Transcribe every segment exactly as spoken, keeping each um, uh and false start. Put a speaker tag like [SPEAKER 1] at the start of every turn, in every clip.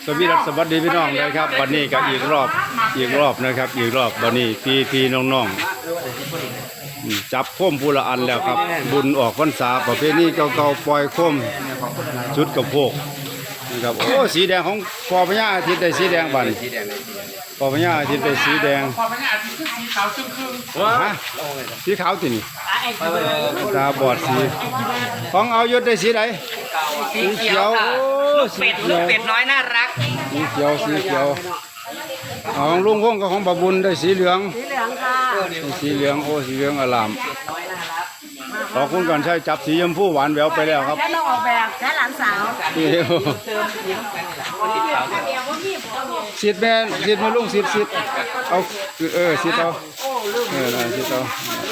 [SPEAKER 1] สวีดัสสวัสดีพี่น้องเลยครับวันนี้ก็อีกรอบอีกรอบนะครับอีกรอบวันนี้พี่พี่น้องๆจับโคมพูละอันแล้วครับบุญออกพรรษาประเพณีเก่าๆปล่อยโคมชุดกระโพกนะครับโอ้สีแดงของปอพญาอาทิตย์ได้สีแดงบันปอพญาอาทิตย์ได้สีแดง
[SPEAKER 2] ปอพญาอาทิตย์คือสีขาวครึ่ง
[SPEAKER 1] ฮะสีขาวตินี่ตาบอดสีของเอายศได้สีไหน
[SPEAKER 3] สีเขียวลูกเป็ดลูกเป็ดน้อยน่ารัก
[SPEAKER 1] สีเขียวสีเขียวของลุงพงกับของบาบุญได้สีเหลือง
[SPEAKER 4] สีเหลืองค่ะ
[SPEAKER 1] สีเหลืองโอ้สีเหลืองอลามขอบคุณก่อนใช้จับสีชมพูหวานแหววไปแล้วครับ
[SPEAKER 4] แค่เราออกแบบแค่หลานสาว
[SPEAKER 1] สิทธิ์แม่สิทธิ์มาลุงสิทธิ์สิทธิ์เอาเออสิทธิ์เอาเออสิทธิ์เอา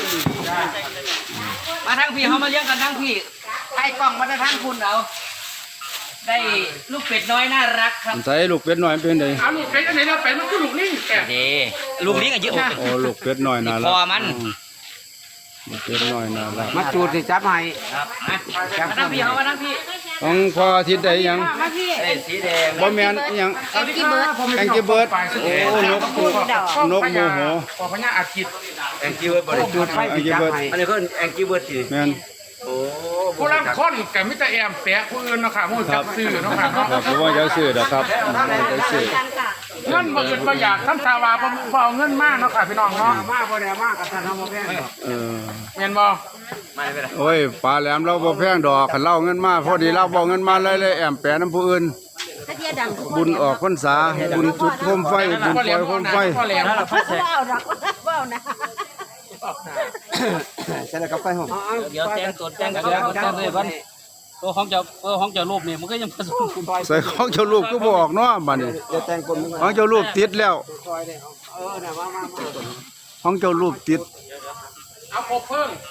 [SPEAKER 3] มาทั้งพี่เขามาเลี้ยงกันทั้งพี่ใช้กล้องมาทั้งคุณเอาได้ลูกเป็ดน้อยน่ารักครับ
[SPEAKER 1] ใส่ลูกเป็ดน้อยเป็นไง
[SPEAKER 2] เอาลูกเป็ดอันไหนเราเป็ดมันคือลูกนี่แก
[SPEAKER 3] ดีลูกนี้กันเยอะ
[SPEAKER 1] โอ้ลูกเป็ดน้อยน่ารัก
[SPEAKER 3] พอมัน
[SPEAKER 1] เป็ดน้อยน่ารัก
[SPEAKER 5] มาจูดสิจับให้
[SPEAKER 3] ครับมาทั้งพี่เขามาทั้งพี่
[SPEAKER 1] ของพออาทิตย์ได้ยัง
[SPEAKER 3] สีแดง
[SPEAKER 1] บ่แม่นยัง
[SPEAKER 4] แองกี้เบิร์ด
[SPEAKER 1] แองกี้เบิร์ดโอ้นกนกโมโห
[SPEAKER 2] ปอพญาอาทิตย์
[SPEAKER 3] แองกี้เบิร์ดบริจูด
[SPEAKER 1] แองกี้เบิร์ด
[SPEAKER 3] อันนี้ก็แองกี้เบิร์ดสิ
[SPEAKER 1] แม่น
[SPEAKER 3] โอ้
[SPEAKER 2] ผู้รับคนกับมิตรแอมแปะผู้อื่นเนาะค่ะผู้จับซื้อเนาะค่ะเนาะ
[SPEAKER 1] ผมว่าจะซื้อนะครับจะซื้อ
[SPEAKER 2] เงินบ่อื่นบ่อยากทำสาวาบ่บ่เอาเงินมากเนาะค่ะพี่น้องเนาะ
[SPEAKER 5] มากบ่ได้มากกับท่านทำบ่แพง
[SPEAKER 1] เออ
[SPEAKER 2] แม่นบ่
[SPEAKER 1] โอ้ยปลาแหลมเราบ่แพงดอกคันเล่าเงินมาพอดีเราบ่เงินมาเลยเลยแอมแปะน้ำผู้อื่นบุญออกพรรษาบุญจุดโคมไฟบุญปล่อยโคมไฟ
[SPEAKER 4] ว้าวรักว้าวนะ
[SPEAKER 5] ใช่แล้วกับไฟห้อง
[SPEAKER 3] เดี๋ยวแจ้งตัวแจ้งกันแล้วแจ้งเลยวันตัวของเจ้าตัวของเจ้ารูปนี่มันก็ยังผสม
[SPEAKER 1] ใส่ของเจ้ารูปก็บอกเนาะบัดนี้ของเจ้ารูปติดแล้วของเจ้ารูปติด
[SPEAKER 2] เอาครบเพิ่ง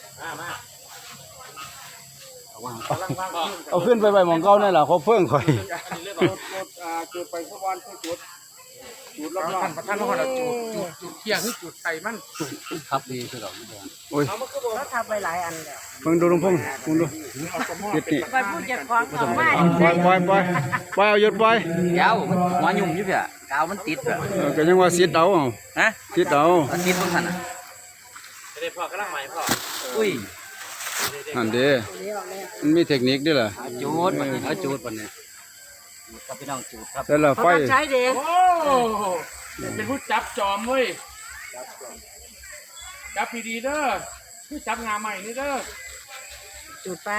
[SPEAKER 1] เอาขึ้นไปไปมองเก้านี่แหละเขาเพิ่งค่อย
[SPEAKER 5] จุดไปสักวันจุดจุดรอบๆท่าน
[SPEAKER 2] ประธานว่าจุดจุดจุดเที่ยงคือจุดไข่มัน
[SPEAKER 1] ครับดีคือดอกโอ้ย
[SPEAKER 4] เขาทำไปหลายอันแล้ว
[SPEAKER 1] เพิ่งดูลุงพงษ์มึงดูติดนี่
[SPEAKER 4] ไปพูดจากของของไม่
[SPEAKER 1] ปล่อยปล่อยปล่อยปล่อยเอาหยุดปล่อย
[SPEAKER 3] เดี๋ยวหัวยุ่มอยู่เพี่ยกาวมันติดแบบ
[SPEAKER 1] ก็ยังว่าสิดเอา
[SPEAKER 3] ฮะ
[SPEAKER 1] สิดเอา
[SPEAKER 3] ติดตรงนั้นอ่ะจะได้พ่อกระลังใหม่พ่ออุ้ย
[SPEAKER 1] นั่นเด้มันมีเทคนิคด้วยเหรอ
[SPEAKER 3] จูดเอาจูดปนเนี่ยกับพี่น้องจูดครับ
[SPEAKER 1] แต่ละไฟ
[SPEAKER 4] ใช้เด็ก
[SPEAKER 2] โอ้เป็นผู้จับจอมเว้ยจับพีดีเด้อผู้จับงาใหม่นี่เด้อ
[SPEAKER 4] จุดไป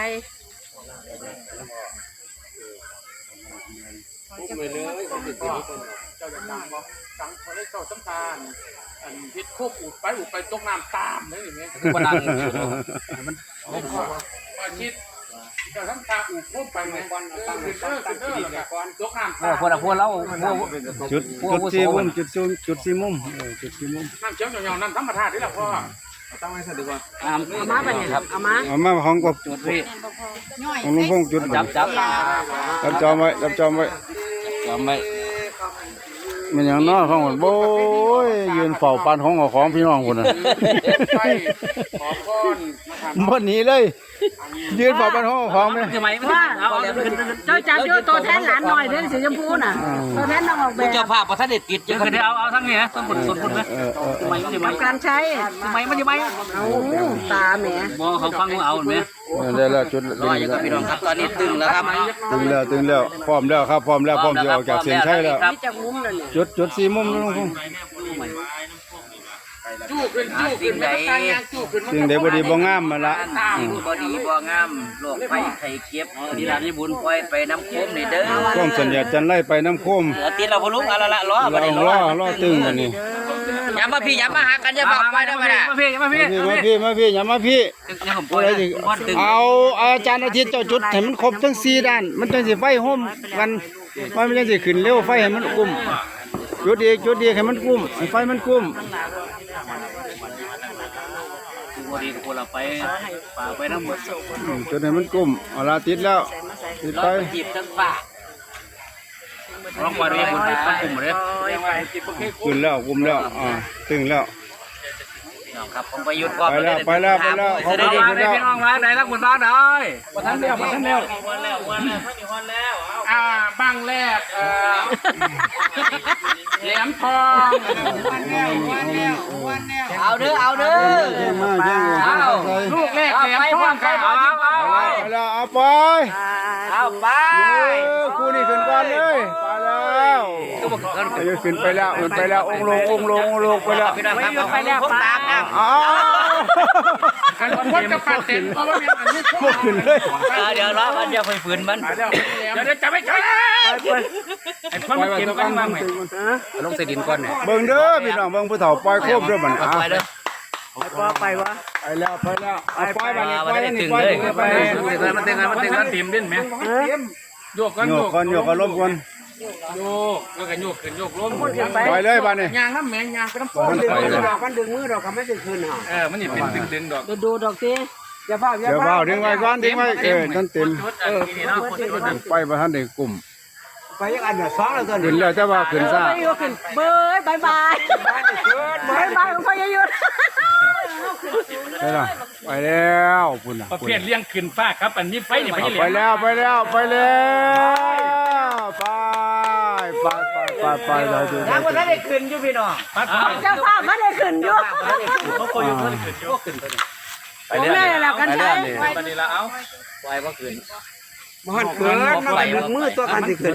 [SPEAKER 2] ปุ๊บเลยเลยเจ้าจะดังบ่ดังพอได้เจ้าสำคัญอันพิษโคบอุดไปอุดไปตกน้ำตามเลยอย่างเงี้ย
[SPEAKER 3] คือมันดังมัน
[SPEAKER 2] ไม่พอพอชิดเจ้าทำตาอุดโคบไปเลยตั้งตั้งตั้งตั้งตั้งก่อนตกน้ำตาม
[SPEAKER 3] พวกเราพวกเรา
[SPEAKER 1] จุดจุดสี่มุมจุดซูมจุดสี่มุมจุดสี่มุม
[SPEAKER 2] น้ำเชี่ยวเหนียวๆนั่นธรรมชาตินี่แหละพ่อ
[SPEAKER 5] ตั้งไว้ซะดีกว่า
[SPEAKER 4] เอามาไปเนี่ยเอามา
[SPEAKER 1] เอามาของกบ
[SPEAKER 3] จุดพี่
[SPEAKER 1] ของลุงพงษ์จุด
[SPEAKER 3] จับจับ
[SPEAKER 1] จับจอมไว้จับจอมไว้
[SPEAKER 3] จอมไว้
[SPEAKER 1] มันอย่างน้อยของโบ้ยยืนเฝ้าปานของของพี่น้องคนน่ะ
[SPEAKER 2] ขอก้อน
[SPEAKER 1] บ่หนีเลยยืนเฝ้าปานของของไหม
[SPEAKER 3] ทำไมว่า
[SPEAKER 4] เจ้าจับโยตัวแทนหลานหน่อยเด้อสีชมพูน่ะตัวแทนน้องออกแบบ
[SPEAKER 3] เจ้าภาพประทัดเด็ดติดยังคือเอาเอาทั้งนี้นะต้นผลส่วนคุณไหมทำไมมันทำไม
[SPEAKER 4] การใช้
[SPEAKER 3] ทำไมมันทำไม
[SPEAKER 4] เอาตาแหม
[SPEAKER 3] มองเขาฟังเอาไหม
[SPEAKER 1] ได้แล้วจุด
[SPEAKER 3] ร้อยอยู่กับพี่น้องครับตอนนี้ตึงแล้วครับ
[SPEAKER 1] ตึงแล้วตึงแล้วพร้อมแล้วครับพร้อมแล้วพร้อมจะออกจากเส้นชัยแล้วจุดจุดสี่มุมลุงพงษ์
[SPEAKER 2] จู้ขึ้นจู้ขึ้นไม่ต้องการงานจู้ขึ้น
[SPEAKER 1] สิ่งใดบ่ดีบ่งามมาละ
[SPEAKER 3] บ่ดีบ่งามโรคไข้ไข้เก็บดีร้านนี้บุญปล่อยไปน้ำโคมนี่เด้อ
[SPEAKER 1] ก้มสัญญาจันไล่ไปน้ำโคม
[SPEAKER 3] ติดเราบ่ลุกอะไรละล้อ
[SPEAKER 1] บ่ได้ล้อล้อตึงอันนี้
[SPEAKER 3] อย่ามาพี่อย่ามาหากันอย่าบอกไปได้ไหมล่ะมาพี่มาพี่
[SPEAKER 1] มาพี่มาพี่อย่ามาพี่เอาอาจารย์อาทิตย์เจ้าจุดให้มันครบทั้งสี่ด้านมันจังสิไฟห่มกันมันจังสิขึ้นเร็วไฟให้มันกุ้มจุดอีกจุดอีกให้มันกุ้มไฟมันกุ้ม
[SPEAKER 3] บดีกับคนเราไปป่าไปน้ำหมด
[SPEAKER 1] จุดให้มันกุ้มเอาละติดแล้วติดไป
[SPEAKER 3] จีบทั้งป่าร้องวันนี้คนไปกลุ่มเลย
[SPEAKER 1] ขึ้นแล้วกุ้มแล้วอ่าตึงแล้ว
[SPEAKER 3] ครับผมไปยุด
[SPEAKER 1] ไปแล้วไปแล้วไปแล้ว
[SPEAKER 3] เขาไปยุดแล้วพี่น้องมาไหนรักหมดบ้านเลย
[SPEAKER 2] ประทันเดียวประทันเดียว
[SPEAKER 3] วันแล้ววันแล้วท่านมีวันแล้ว
[SPEAKER 2] อ่าบางแรกเอ่อแหลมทอง
[SPEAKER 3] เอาเด้อเอาเด้อ
[SPEAKER 1] แย่งมาแย่งมา
[SPEAKER 3] เอา
[SPEAKER 2] ลูกแรกแหลมทองครับ
[SPEAKER 3] เอาเอาเอา
[SPEAKER 1] ไปแล้วเอาไป
[SPEAKER 3] เอาไป
[SPEAKER 1] เออคู่นี้ขึ้นก่อนเลยไปแล้วอายุขึ้นไปแล้วขึ้นไปแล้วองค์ลงองค์ลงองค์ลงไปแล้ว
[SPEAKER 3] พี่น้องครับไปแล้วตามนะ
[SPEAKER 1] อ้าว
[SPEAKER 2] อันคนกับปัดเต็มเพราะว่าอันนี้
[SPEAKER 1] พวกขึ้นเลย
[SPEAKER 3] เดี๋ยวรอมันจะไปฝืนมัน
[SPEAKER 2] เดี๋ยวเดี๋ยวจะไม่ใช่ไอ้คนมันเก็บกันมาใหม่ลงใส่ดินก่อนเนี่ย
[SPEAKER 1] เบิ่งเด้อพี่น้องเบิ่งผู้เฒ่าปล่อยโคมเด้อบัดนี้
[SPEAKER 3] ไปเด้อ
[SPEAKER 1] ไปแล้วไปแล้วเอาปล่อยบัดนี้ปล่อยนี่
[SPEAKER 3] ตึง
[SPEAKER 1] ปล่อย
[SPEAKER 3] เลย
[SPEAKER 1] นี่ปล่อยนี่
[SPEAKER 2] มันเต็มมันเต็มมันเต็มเต็มดิ้นไหมโยกกัน
[SPEAKER 1] โย
[SPEAKER 2] โย
[SPEAKER 1] ก
[SPEAKER 2] ก
[SPEAKER 1] ก่อนโยกก่อนล้มก่อน
[SPEAKER 2] โยกแล้วก็โยกขึ้นโยกลง
[SPEAKER 1] ปล่อยเลยบัดนี้
[SPEAKER 2] ยางน้ำแมงยางก็น้ำฟ้
[SPEAKER 1] มันไปแล้ว
[SPEAKER 5] ดอกกันดึงมือดอกกันไม่ได้คืนห่า
[SPEAKER 2] เออมันนี่เป็นดึงดึงดอก
[SPEAKER 4] ดูดูดอกสิอย่าพลาดอย่า
[SPEAKER 1] เดี๋ยว
[SPEAKER 4] พลา
[SPEAKER 1] เฝ้า
[SPEAKER 4] ด
[SPEAKER 1] ดึงไว้ก่อนดึงไว้เออท่านเต็ม
[SPEAKER 2] เออนี่เนาะคนที่มัน
[SPEAKER 1] ไปบ่ทันได้กลุ่ม
[SPEAKER 5] ไปยังอันเนี่ยสองแล้วตัว
[SPEAKER 1] ขึ้
[SPEAKER 5] นี้
[SPEAKER 1] นแล้วแต่ว่าขึ้นซ่า
[SPEAKER 4] เบยขึ้นเบยบายบายบายบายของพ่อยยุทธ
[SPEAKER 1] ไปแล้วไปแล้วพุ่นน่ะ
[SPEAKER 2] ประเภทเลี้ยงขึ้นฟ้าครับอันนี้ไฟนี่ไม่ใช่เหลี
[SPEAKER 1] ไป
[SPEAKER 2] ยง
[SPEAKER 1] แล้วไปแล้วไปแล้วไปไปไปไปไปได้ดู
[SPEAKER 3] ทางวันนั้นได้ขึ้นอยู่พี่น้อง
[SPEAKER 4] เจ้าภาพไม่ได้ขึ้นอยู่
[SPEAKER 2] เขาโคยุขึ้นขึ้นโยกขึ้นตัวนี้
[SPEAKER 4] ผมแม่แล้วกันใช้
[SPEAKER 2] ตอนนี้ละเอา
[SPEAKER 3] ปล่อยบ่ขึ้น
[SPEAKER 5] มันเกินมันไปดึงมือตัวกันที่คืน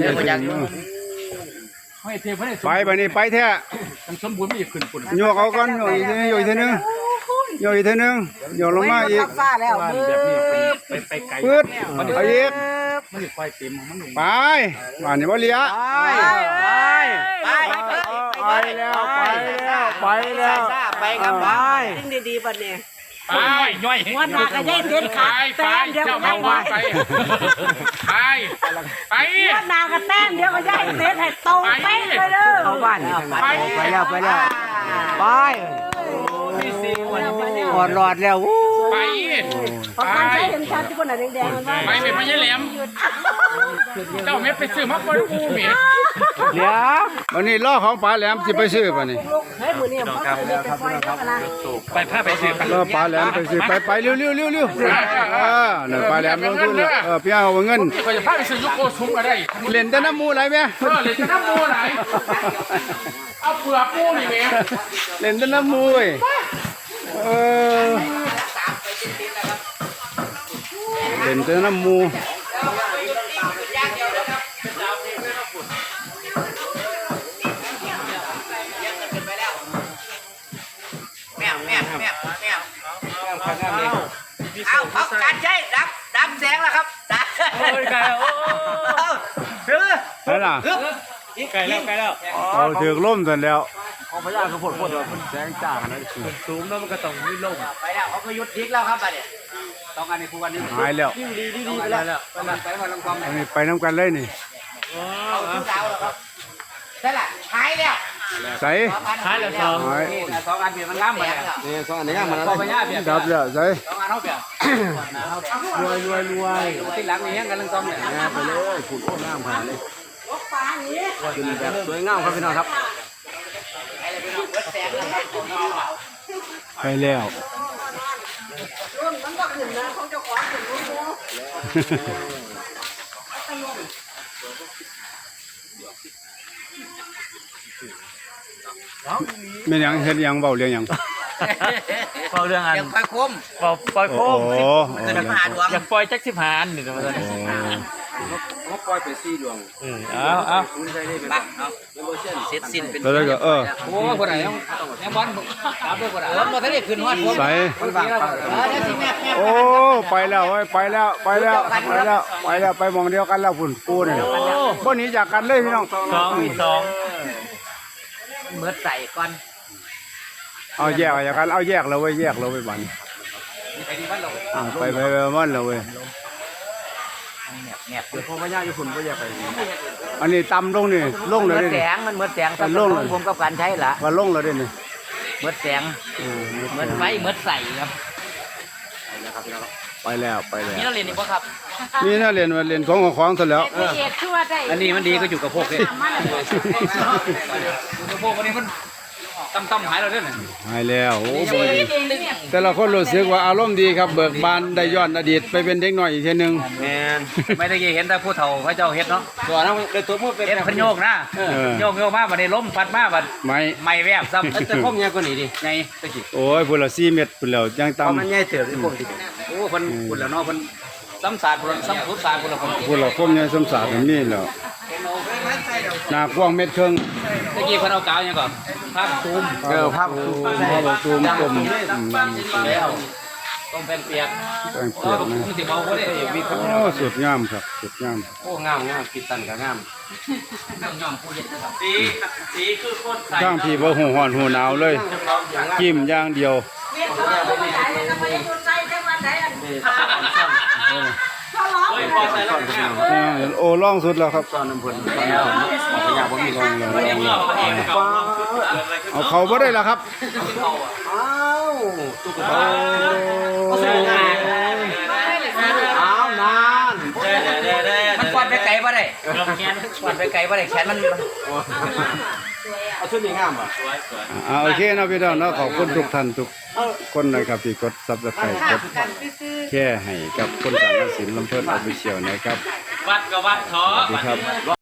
[SPEAKER 2] ให้เทียบให้
[SPEAKER 1] ไปไปนี่ไปแท้
[SPEAKER 2] มันสมบูรณ์ไม่ขึ้นปุ่น
[SPEAKER 1] โยกเอาก่อนโยกอีกทีนึงโยกอีกทีนึงโยกอีกทีนึงโยกลงมาอีก
[SPEAKER 4] ฟ้าแล้วเบ
[SPEAKER 2] แบบนี้
[SPEAKER 4] ย
[SPEAKER 2] ไปไปไกล
[SPEAKER 1] ปึ๊ดไปอีก
[SPEAKER 2] มันไฟเต็มมันหนุ่ม
[SPEAKER 1] ไปมานี่บ่เหลีย
[SPEAKER 3] ไปไป
[SPEAKER 1] ไปแล้วไปแล้วไปแล้ว
[SPEAKER 3] ไปกับไป
[SPEAKER 4] ยิ่งดีๆบัดนี้
[SPEAKER 2] ไปย่อย
[SPEAKER 4] วันหน้าก็ยัยเด็ดขาด
[SPEAKER 2] ไป
[SPEAKER 4] แต้มเดียว
[SPEAKER 2] เจ้า
[SPEAKER 4] ก็
[SPEAKER 2] มา
[SPEAKER 4] ได้
[SPEAKER 2] ว่า
[SPEAKER 4] ไว้
[SPEAKER 2] ไปไปไป
[SPEAKER 4] วันหน้าก็แต้มเดียวก็ยัยเด็ดให้ตรงเป๊ะเลยเด้อ
[SPEAKER 5] เข้าบ้านไปแล้วไปแล้วไปหอดหลอดแล้ววู้
[SPEAKER 2] ไป
[SPEAKER 4] พอการใช้เห็นชัดที่คนไหนแดงๆมันว่า
[SPEAKER 2] ไปไม่ไปยัยแหลมเจ้าเม็ดไปซื้อมาคนอูเมีย
[SPEAKER 5] เดี๋ยว
[SPEAKER 1] วันนี้ล่อของปลาแหลมสิไปซื้อป่ะนี่
[SPEAKER 4] เฮ้ยมือนี่มันก็เลยไปปล่อยเขานะ
[SPEAKER 2] ไปผ้าไปซื้อ
[SPEAKER 1] ล่อปลาแหลมไปซื้อไปไปเร็วเร็วเร็วเร็วเออนั่นปลาแหลมลงทุนเนี่ยเออพี่เอาเงิน
[SPEAKER 2] ไปจะผ้าไปซื้อยุโกซุ้มก็ได้
[SPEAKER 1] เล่นแต่น้ำมูไหลไหม
[SPEAKER 2] เออเลยจะน้ำมูไหนเอาเปลือกปูนี่เมีย
[SPEAKER 1] เล่นแต่น้ำมูเว้ยเออเล่นแต่น้ำมู
[SPEAKER 3] แม่แม่แม่แม่เอาเขาการใช้ดับดับแสงแล้วครับดับโอ้ยไก่โอ้ถือ
[SPEAKER 1] ไปล่ะ
[SPEAKER 2] ไก่แล้วไก่แล้ว
[SPEAKER 1] เอาถือล่มสันแล้ว
[SPEAKER 5] ของพญาคือผลผลมันแสงจ้าขนาดนี้
[SPEAKER 2] สูงแล้วมันก็ต้องไม่ลง
[SPEAKER 3] ไปแล้วเขาก็ยุดยิกแล้วครับบัดนี้
[SPEAKER 5] ต้องการในคู่กันนี้
[SPEAKER 1] หายแล้ว
[SPEAKER 5] ดีดีดีไปแล้วไปแล้วไปมาลำกอง
[SPEAKER 1] อันนี้ไปน้ำกันเลยนี่
[SPEAKER 3] เอาทุกดาวแล้วครับได้ละหายแล้ว
[SPEAKER 1] ใส่
[SPEAKER 3] หายแล้วสอง
[SPEAKER 1] หาย
[SPEAKER 5] สองอันเปลี่ยนมันงามไปนี่สองอันนี้งามมันแล้วพญาเปลี่ยน
[SPEAKER 1] ดับแล้วใส่
[SPEAKER 5] สองอันเขาเปลี่ยนรวยรวยรวยที่หลังนี่ยังกันลังกองเนี่ยไปเลยขุดโอ้งามขนาดนี้ขึ้นแบบสวยงามครับพี่น้องครับ
[SPEAKER 1] ไปแล้ว
[SPEAKER 4] มันก็ขึ้นนะของเจ้าของขึ้นรู้
[SPEAKER 1] ไม่ยังเฮ็ดหยังเบาเรื่องหยัง
[SPEAKER 6] เฝ้าเรื่องอัน
[SPEAKER 3] ยังค่อยคม
[SPEAKER 6] เฝ้าปล่อยโค
[SPEAKER 1] โอ้
[SPEAKER 6] ม
[SPEAKER 1] โห
[SPEAKER 3] เงินมหาดวง
[SPEAKER 6] อยากปล่อยจักสิบหานนี่นะมัน
[SPEAKER 5] เขาปล่อยไปสี่ดวง
[SPEAKER 6] อืมเอาเอา
[SPEAKER 5] คุณใช้ได้เป็น
[SPEAKER 3] บักเอาเสร็จสิ้นเป็น
[SPEAKER 1] แล้วก็เออ
[SPEAKER 5] โอ้คนไหนยังยังบอลตามด้วยคนไหน
[SPEAKER 3] เออมาได้ขึ้นฮอดผม
[SPEAKER 1] ใส่
[SPEAKER 5] คนบาง
[SPEAKER 3] เออเดี๋ยวสิแม่แม่
[SPEAKER 1] โอ้ไปแล้วเว้ยไปแล้วไปแล้วไปแล้วไปแล้วไปหมองเดียวกันแล้วพุ่นปูนี่บ่หนีจากกันเลยพี่น้อง
[SPEAKER 6] สองมีสอง
[SPEAKER 3] เมื่อใส่ก่อน
[SPEAKER 1] เอาแยกออกจากกันเอาแยกแล้วเว้ยแยกแล้วเว้ยบัดนี้อ่าไปไปไปมันแล้วเว้ย
[SPEAKER 3] แงบ
[SPEAKER 5] เดี๋ยวพอพญาอยู่คุณก็แยกไป
[SPEAKER 1] อันนี้ต่ำลงนี่ลงเลย
[SPEAKER 3] เมื่อ
[SPEAKER 1] เด้
[SPEAKER 3] แส
[SPEAKER 1] นี่
[SPEAKER 3] งมันเมื่อแสง
[SPEAKER 1] มันโล่งเลย
[SPEAKER 3] ผมกับการใช้ละ
[SPEAKER 1] ว่าลงแล้วเด้นี่
[SPEAKER 3] เมื่อแสง
[SPEAKER 1] เออ
[SPEAKER 3] เมื่อไฟเมื่อใส่ครับ
[SPEAKER 1] ไปแล้วไปแล้ว
[SPEAKER 3] นี่เราเรียนอีกป่ะครับ
[SPEAKER 1] นี่น่าเรียนว่าเรียนของของของซะแล้ว
[SPEAKER 4] เอ็ดชั่วได้
[SPEAKER 5] อันนี้มันดีก็อยู่กับพวกเนี่ย
[SPEAKER 4] มัน
[SPEAKER 5] พวกอันนี้มันตั้มตั้มหายแล้วเด้อเนี่ย
[SPEAKER 1] หายแล้วโอ้บ่ดีแต่ละคนรู้สึกว่าอารมณ์ดีครับเบิกบานได้ย้อนอดีตไปเป็นเด็กน้อยอีกเทีนึง
[SPEAKER 5] แมน
[SPEAKER 3] ไม่ได้เห็นแต่ผู้เฒ่าพระเจ้าเฮ็ดเนาะ
[SPEAKER 5] ตัวนั้นเลยตัวมือเป็น
[SPEAKER 3] เฮ็ดเพิ่นโยกนะโยกโยกมาบัดนี้ล้มพัดมาบัด
[SPEAKER 1] ไม่
[SPEAKER 3] ไม่แวบซ้ำ
[SPEAKER 5] แต่พ่อมใหญ่กว่านี้ดิ
[SPEAKER 3] ไง
[SPEAKER 5] ตะกี้
[SPEAKER 1] โอ้ยพุ่นละสี่เม็ดพุ่นแล้วยัง
[SPEAKER 5] พอมัน
[SPEAKER 1] ต่ำ
[SPEAKER 5] ใหญ่เติบที่พ่อมที่
[SPEAKER 3] โอ้เพิ่นพุ่นแล้วเนาะเพิ่นซ้ำศาสตร์พุ่นซ้ำพุทธศาสตร์พุ่นแล้วเพิ่น
[SPEAKER 1] พุ่นละคมยังสมศาสตร์แบบนี้แล้วหน้ากว้างเม็ดครึ่ง
[SPEAKER 3] ตะกี้เพิ่นเอากาวหยังก่อนภาพตูม
[SPEAKER 5] เออภาพ
[SPEAKER 1] ตูมพอบอกตูมกลมอืม
[SPEAKER 3] แล้วต้มเป็นเปียก
[SPEAKER 1] แป้ง
[SPEAKER 3] เอ
[SPEAKER 1] เปีย
[SPEAKER 3] อก
[SPEAKER 1] นะ
[SPEAKER 3] มันสิเมาบ่ได้มีคน
[SPEAKER 1] โอ้สุดงามครับสุดงาม
[SPEAKER 5] โอ้งามงามกินตันก็งาม
[SPEAKER 3] ต้องยอมผู้เฮ็ดนะครับสีสีคือคนใส่
[SPEAKER 1] ข้างพี่บ่หูฮ้อนหูหนาวเลยจิ้มอย่างเดียว
[SPEAKER 4] เวียนเขาบอกว่าไหนแล้วก็ไม่ได้ดูใจจังหวัดไหนอันเขาร้อง
[SPEAKER 3] โอ้ยพอใส่แล้วงาม
[SPEAKER 1] อ่าโอ้ล่องสุดแล้วครับ
[SPEAKER 5] ตอนน้ำเพิ่นตอนน้ำเพิ่นขยะบ่มี
[SPEAKER 1] ล่องแล้ว
[SPEAKER 3] เรียกเราเองกับ
[SPEAKER 1] เอาเขาบ่ได้แล้วครับ
[SPEAKER 5] อ้าวตุ๊กตา
[SPEAKER 1] โอ้
[SPEAKER 5] อ้าวนาน
[SPEAKER 3] มันกวาดไปไกลบ่ได้แขนกวาดไปไกลบ่ได้แขนมัน
[SPEAKER 5] เอาชุดนี้งามป่ะ
[SPEAKER 1] อ่าโอเคเนาะพี่น้องเนาะขอบคุณทุกท่านทุกคนนะครับที่กด Subscribe กดแค่ให้กับคนสังกสินลำเพิ่นออฟฟิเชียลนะครับ
[SPEAKER 3] วัดก็วัดเถาะ
[SPEAKER 1] สวัสดีครับ